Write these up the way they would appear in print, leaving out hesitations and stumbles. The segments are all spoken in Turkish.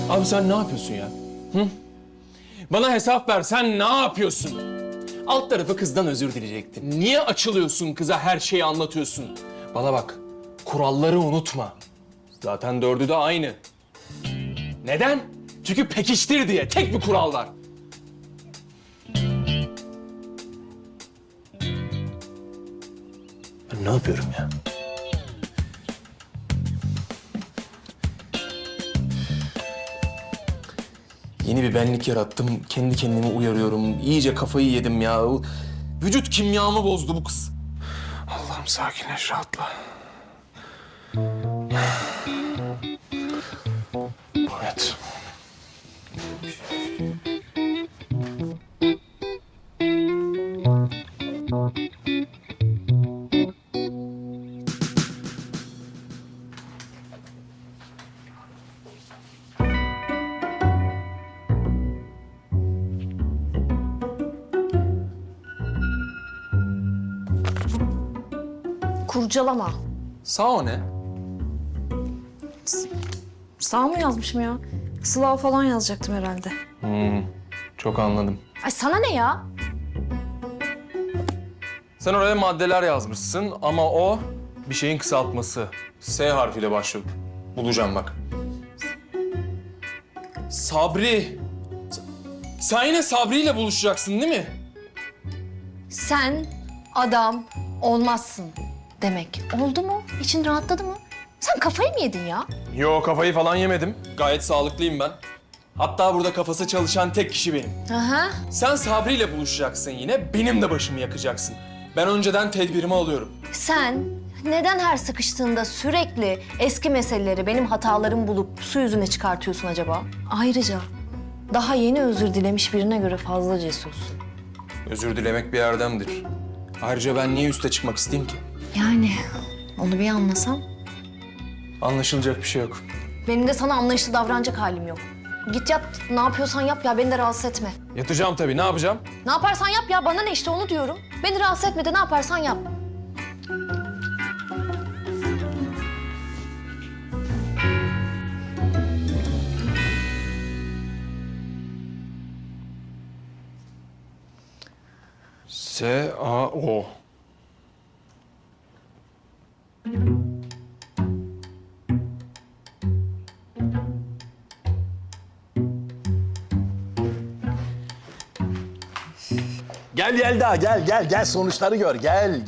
Abi sen ne yapıyorsun ya? Hı? Bana hesap ver, sen ne yapıyorsun? Alt tarafı kızdan özür dileyecektin. Niye açılıyorsun kıza, her şeyi anlatıyorsun? Bana bak, kuralları unutma. Zaten dördü de aynı. Neden? Çünkü pekiştir diye, tek bir kural var. Ben ne yapıyorum ya? Yeni bir benlik yarattım. Kendi kendimi uyarıyorum. İyice kafayı yedim ya. Vücut kimyamı bozdu bu kız. Allah'ım sakinleş, rahatla. Evet. Kurcalama. Sağ o ne? Sağ mı yazmışım ya? Sıla falan yazacaktım herhalde. Çok anladım. Ay sana ne ya? Sen oraya maddeler yazmışsın ama o bir şeyin kısaltması. S harfiyle başlıyor. Bulacağım bak. Sabri. Sen yine Sabri ile buluşacaksın değil mi? Sen adam olmazsın demek. Oldu mu? İçin rahatladı mı? Sen kafayı mı yedin ya? Yo, kafayı falan yemedim. Gayet sağlıklıyım ben. Hatta burada kafası çalışan tek kişi benim. Aha. Sen Sabri ile buluşacaksın yine, benim de başımı yakacaksın. Ben önceden tedbirimi alıyorum. Sen neden her sıkıştığında sürekli eski meseleleri benim hatalarımı bulup su yüzüne çıkartıyorsun acaba? Ayrıca daha yeni özür dilemiş birine göre fazla cesursun. Özür dilemek bir erdemdir. Ayrıca ben niye üste çıkmak isteyeyim ki? Yani onu bir anlasam. Anlaşılacak bir şey yok. Benim de sana anlayışlı davranacak halim yok. Git yat, ne yapıyorsan yap ya, beni de rahatsız etme. Yatacağım tabii, ne yapacağım? Ne yaparsan yap ya, bana ne işte onu diyorum. Beni rahatsız etme de ne yaparsan yap. S-A-O. Gel Yelda, gel sonuçları gör. Gel.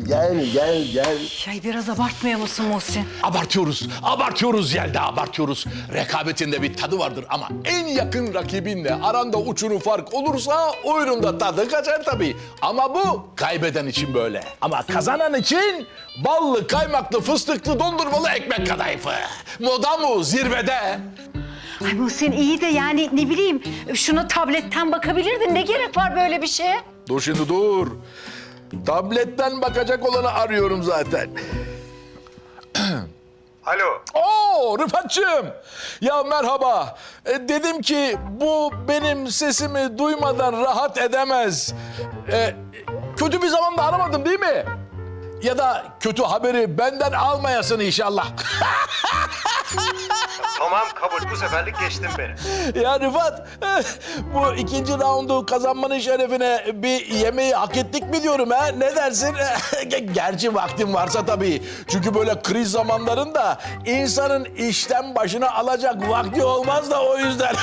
Biraz abartmıyor musun Muhsin? Abartıyoruz Yelda, abartıyoruz. Rekabetinde bir tadı vardır ama en yakın rakibinle aranda uçurum fark olursa oyunun tadı kaçar tabii. Ama bu kaybeden için böyle. Ama kazanan için ballı, kaymaklı, fıstıklı, dondurmalı ekmek kadayıfı. Moda mı zirvede? Ay Muhsin iyi de yani ne bileyim şuna tabletten bakabilirdin. Ne gerek var böyle bir şeye? Dur şimdi dur. Tabletten bakacak olanı arıyorum zaten. Alo. Oo Rıfat'cığım. Ya merhaba. Dedim ki bu benim sesimi duymadan rahat edemez. Kötü bir zamanda aramadım değil mi? Ya da kötü haberi benden almayasın inşallah. Tamam kabul. Bu seferlik geçtim beni. Ya Rıfat, bu ikinci raundu kazanmanın şerefine bir yemeği hak ettik mi diyorum ha? Ne dersin? Gerçi vaktin varsa tabii. Çünkü böyle kriz zamanlarında insanın işten başına alacak vakti olmaz da o yüzden.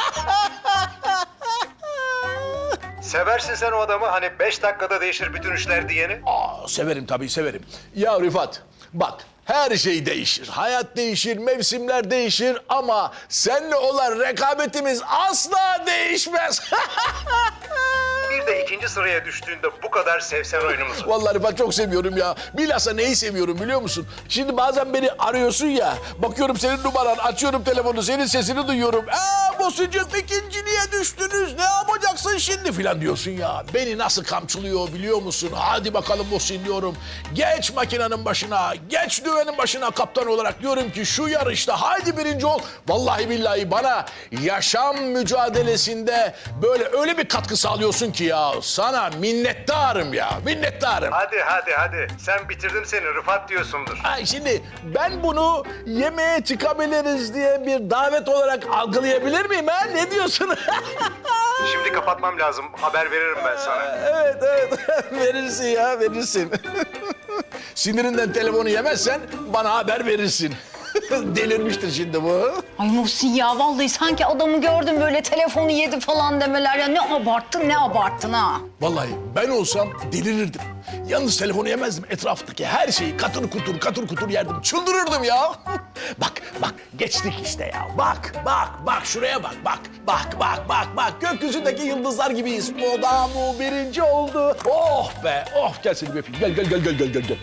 Seversin sen o adamı hani 5 dakikada değişir bütün işler diyeni. Severim tabii severim. Ya Rıfat bak her şey değişir. Hayat değişir, mevsimler değişir ama seninle olan rekabetimiz asla değişmez. Bir de ikinci sıraya düştüğünde bu kadar sevsen oyunumuzu. Vallahi Rıfat çok seviyorum ya. Bilhassa neyi seviyorum biliyor musun? Şimdi bazen beni arıyorsun ya. Bakıyorum senin numaran, açıyorum telefonu, senin sesini duyuyorum. Bu Muhsin'cim ikinciliğe düştünüz ne yapacaksın şimdi filan diyorsun ya. Beni nasıl kamçılıyor biliyor musun? Hadi bakalım Muhsin diyorum. Geç makinenin başına, geç düvenin başına kaptan olarak diyorum ki şu yarışta haydi birinci ol. Vallahi billahi bana yaşam mücadelesinde böyle öyle bir katkı sağlıyorsun ki ya. Sana minnettarım ya, minnettarım. Hadi. Sen bitirdim seni Rıfat diyorsundur. Ay şimdi ben bunu yemeğe çıkabiliriz diye bir davet olarak algılayabilir miyim ha? Ne diyorsun? Şimdi kapatmam lazım. Haber veririm ben sana. Evet. Verirsin ya, verirsin. Sinirinden telefonu yemezsen bana haber verirsin. Delirmiştir şimdi bu. Ay Muhsin ya vallahi sanki adamı gördüm böyle telefonu yedi falan demeler ya. Ne abarttın ha. Vallahi ben olsam delirirdim. Yalnız telefonu yemezdim. Etraftaki her şeyi katır kutur yerdim. Çıldırırdım ya. Bak geçtik işte ya. Bak şuraya bak. Bak. Gökyüzündeki yıldızlar gibiyiz. Moda bu birinci oldu. Oh be. Oh gel seni bir öpeyim. Gel.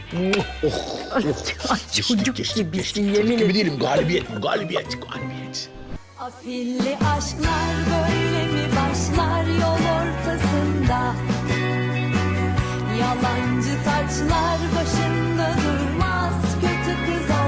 Çocuk gibisin yemin Gibi ederim. değilim. Galibiyet bu. Galibiyet. Afilli aşklar böyle mi başlar yol ortasında? Yalancı taçlar başında durmaz, kötü kız